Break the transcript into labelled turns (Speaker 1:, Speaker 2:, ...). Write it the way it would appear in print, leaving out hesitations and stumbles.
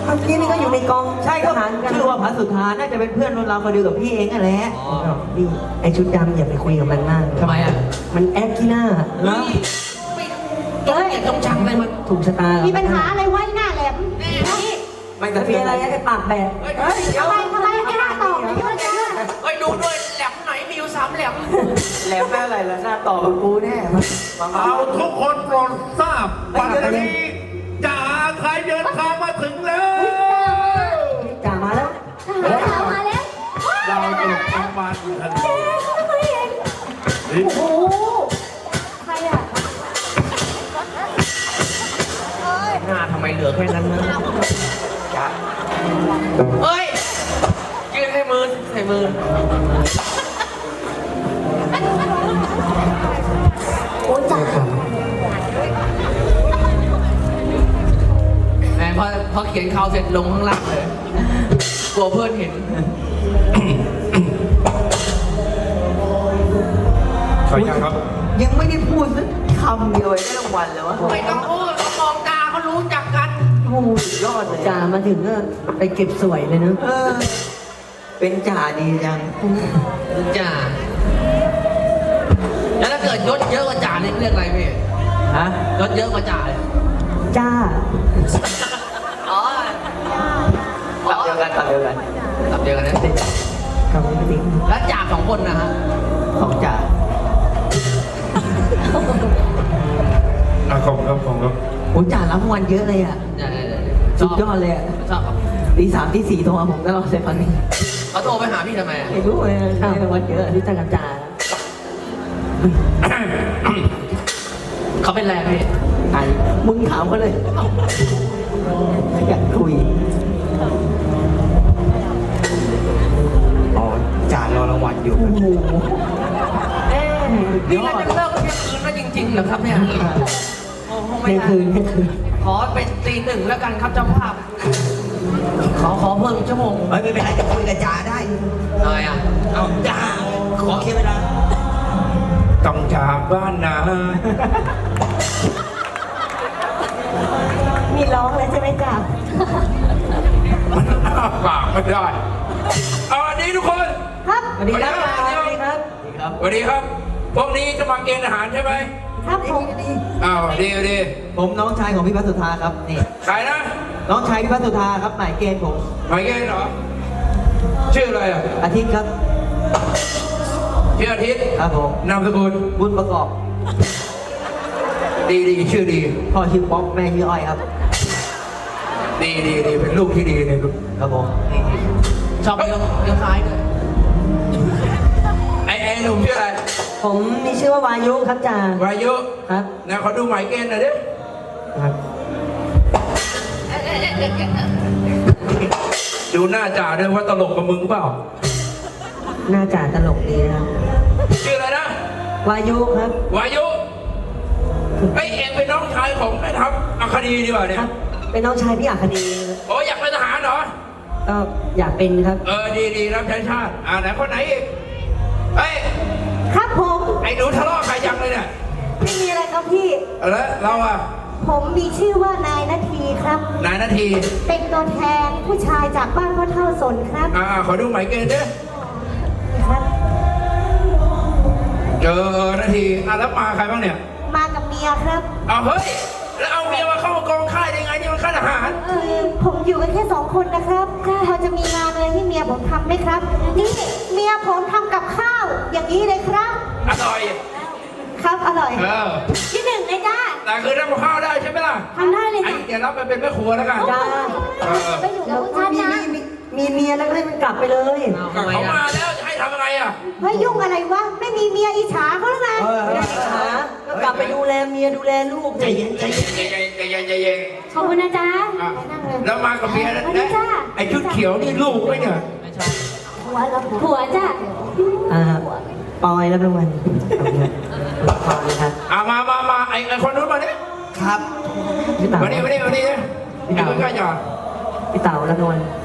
Speaker 1: มื่อกี้นี่ก็อยู่ในกอง
Speaker 2: ใช่ก็
Speaker 1: ทหารกัน
Speaker 2: ชื่อว่าพระสุธาน่าจะเป็นเพื่อนรุ่นเราคนเดียวกับพี่เองนั่นแหละ
Speaker 1: นี่ไอชุดดำอย่าไปคุยกับมันมาก
Speaker 3: ทำไมอ่ะ
Speaker 1: มันแอคที่หน้า
Speaker 2: แล้ว
Speaker 3: ต้องชังเลยมัน
Speaker 1: ถูกชะตา
Speaker 4: มีปัญหาอะไรไว้หน้าแหลมนี่
Speaker 2: ไม่
Speaker 1: จะ
Speaker 2: จะ
Speaker 1: มี
Speaker 2: มี
Speaker 1: อะ
Speaker 2: อะไร ไร
Speaker 1: ไอ้ปากแบก
Speaker 3: เฮ้ยเดี๋ยว
Speaker 4: ทำไมไม่น่าตอบเลยว่าจะ
Speaker 3: เฮ้ยดูด้วยแหลมไหนมีอยู่3แหลม
Speaker 2: แหลมแม่อะไรล่ะหน้าต่อกับกูแน่มา
Speaker 5: เอาทุกคนโปรดทราบปัจจุบันนี้จ่าไทยเดินทางมาถึงแล้ว
Speaker 1: จ่ามาแล้ว
Speaker 4: มาแล้ว
Speaker 5: เราจะทำมาอีกทันที
Speaker 4: โอ้โหใครอ่ะ
Speaker 3: หน้าทำไมเหลือแค่นั้นนะจ้ะเฮ้ยยืนให้มือใส่มือ
Speaker 4: โอ้จ่า
Speaker 3: แหมพอเขียนข่าวเสร็จลงข้างล่างเลยกลัวเพื่อนเห็น
Speaker 5: ใช่ครับ
Speaker 2: ยังไม่ได้พูดสักคำเดียวได้รางวัลเลยวะ
Speaker 3: ไม่ต้องพูดเขามองตาเขารู้จักกัน
Speaker 2: โอ้โหสุดยอดเลย
Speaker 1: จ่ามาถึงก็ไปเก็บสวยเลยนะ
Speaker 2: เออเป็นจ่าดีจัง
Speaker 3: จ่าแล้วถ้าเกิดยศเยอะกว่าจ่านี่เรียกอะไรพี่
Speaker 2: ฮะ
Speaker 3: ยศเยอะกว่าจ่าเลย
Speaker 1: จ้า
Speaker 3: อ๋อ
Speaker 2: ตับเดียวกันตับเดียวกัน
Speaker 3: ตับเดียวกันนะ
Speaker 1: กับจริง
Speaker 3: แล้วจ่า2 คนนะฮะ
Speaker 2: ของจ่า
Speaker 5: ขอบคุณครับขอบคุณครับ
Speaker 2: โอ้จ่ารับรางวัลเยอะเลยอ่ะ สุดยอดเลยอ่ะ
Speaker 3: ชอบ
Speaker 2: ตี 3ตี 4โทรมาผมตลอดเลยพันนี้
Speaker 3: เขาโทรไปหาพี่ทำไมอะ
Speaker 2: ไม่รู้เลยได้รางวัลเยอะ
Speaker 1: รู้จักกับจ่า
Speaker 3: เขาเป็นแรงพี่
Speaker 2: ไอ้มึงถามเขาเลยอยากคุยอ๋อจ่ารอรางวัลอยู่
Speaker 1: โอ้โห
Speaker 3: นี่เราจะเลิกเที่ยงคืนแล้วจริงๆเหรอครับเนี่ยโอ้โหไม่
Speaker 1: ใน
Speaker 3: ได้
Speaker 1: คืนในคืน
Speaker 3: ขอเป็นตี 1แล้วกันครับเจ้าภาพ ขอเพิ่มอีกชั่วโมง
Speaker 2: เฮ้ยไม่เป็นไรจะคุยกับจ่าได้
Speaker 3: ทำไมอ่ะ
Speaker 2: เอาจ่าขอเคลียร์เวลา
Speaker 5: ต้องจากบ้านนา
Speaker 1: มีร้องเลยใช่ไหมจ่า
Speaker 5: มันอ้าปากไม่ได้เอาอันนี้ทุกคน
Speaker 4: ครับ
Speaker 1: สวัสดีครับจ่าสวัสดีครับ
Speaker 5: สวัสดีครับ พวกนี้จะมาเกณฑ์อาหารใช่ไหม
Speaker 4: ครับผม
Speaker 5: อ้าวดีดี
Speaker 2: ผมน้องชายของพี่พัสุธาครับนี่
Speaker 5: ใครนะ
Speaker 2: น้องชายพี่พัสุธาครับหมายเกณฑ์ผม
Speaker 5: หมายเกณฑ์เหรอ ชื่ออะไรอ่ะ
Speaker 2: อาทิตย์ครับ
Speaker 5: ชื่ออาทิตย์
Speaker 2: ครับผม
Speaker 5: นามสกุล
Speaker 2: บุญประกอบ
Speaker 5: ดีดีชื่อดี
Speaker 2: พ่อชื่อป๊อกแม่ชื่ออ้อยครับ
Speaker 5: ดีดีดีเป็นลูกที่ดีเนี่ยลูก
Speaker 2: ครับผม
Speaker 3: ชอบเลี้ยวซ้ายด้วย
Speaker 5: ไอ้หนุ่มชื่ออะไร
Speaker 1: ผมมีชื่อว่าวายุครับจ่าว
Speaker 5: ายุ
Speaker 1: ครับ
Speaker 5: นะขอดูหมายเกณฑ์หน่อยดิ
Speaker 1: ครับ
Speaker 5: ดูหน้าจ่าด้วยว่าตลกกับมึงเปล่า
Speaker 1: หน้าจ่าตลกดีนะครับ
Speaker 5: ชื่ออะไรนะ
Speaker 1: วายุครับ
Speaker 5: วายุไอ้ยเองเป็นน้องชายของแม่ทัพอัคดีดีกว่าเนี่
Speaker 1: ค
Speaker 5: ย
Speaker 1: รับ เป็นน้องชายพี่อัคดี
Speaker 5: โอ้อยากเป็นทหารเหรอ
Speaker 1: ก็อยากเป็นครับ
Speaker 5: ดีดีรับใช้ชาติไหนคนไหนอีกเฮ้ย
Speaker 4: ครับผม
Speaker 5: ไอ้หนูทะเลาะใครยังเลยเนี่ย
Speaker 4: ไม่มีอะไรครับพี่
Speaker 5: แล้วเราอ่ะ
Speaker 4: ผมมีชื่อว่านายนาทีครับ
Speaker 5: นายนาที
Speaker 4: เป็นตัวแทนผู้ชายจากบ้านพ่อเท่าสนครับ
Speaker 5: ขอดูหมายเกณฑ์ดิ
Speaker 4: ครับ
Speaker 5: เจอนาทีแล้วมาใครบ้างเนี่ย
Speaker 4: มากับเมียครับ
Speaker 5: เฮ้ยแล้วเอาเมียมาเข้ากองค่ายได้ไงนี่มันค่ายทหาร
Speaker 4: ผมอยู่กันแค่2 คนนะครับพอจะมีงานอะไรให้เมียผมทำไหมครับ นี่เมียผมทำกับข้าว อย่างนี้เลยครับ
Speaker 5: อร่อย
Speaker 4: ครับอร่อย ที่ 1เลยจ้า
Speaker 5: แต่คือทำข้าวได้ใช่ไหมล่ะ
Speaker 4: ทำได้เลย
Speaker 5: ไอ้
Speaker 4: จ้ะ
Speaker 5: เดี๋ยวรับไปเป็นแม่ครัวแล้วกัน
Speaker 1: จ้า
Speaker 4: ไปอยู่กับฉันนะ
Speaker 1: มีเมียแล้วก็ให้มันกลับไปเลย
Speaker 3: เอา
Speaker 5: เขา
Speaker 3: ทำไม
Speaker 5: มา
Speaker 3: อ่ะ
Speaker 5: แล้วจะให้ทำยังไงอ่ะ
Speaker 4: เฮ้ยยุ่งอะไรวะ ไม่มีเมียอิจฉาเขาหรือไง
Speaker 1: ไม่ได้หาก็กลับไปดูแลเมียดูแลลูก
Speaker 5: ใจเย็นใจเย็นใจเย็นใจเย็นใจเย็น
Speaker 4: ขอบคุณนะจ๊ะ
Speaker 5: อ่ะ
Speaker 4: ไปนั่งเลย
Speaker 5: แล้วมากับเมียนะ
Speaker 4: สวัสดีจ้า
Speaker 5: ไอ้ชุดเขียวนี่ลูกไหมเนี่ย
Speaker 3: ไม่ชอบ
Speaker 4: ผัวแล้วผัวจ้า
Speaker 1: ปอยรับรางวัลขอบคุณครับปอยครับ
Speaker 5: มาไอ้คนนู้นมาเนี่ย
Speaker 2: ครับ
Speaker 1: พี่เต๋า
Speaker 5: มานี่นี่นี่ใกล้ๆจ่า
Speaker 1: พี่เต๋ารับรางวัล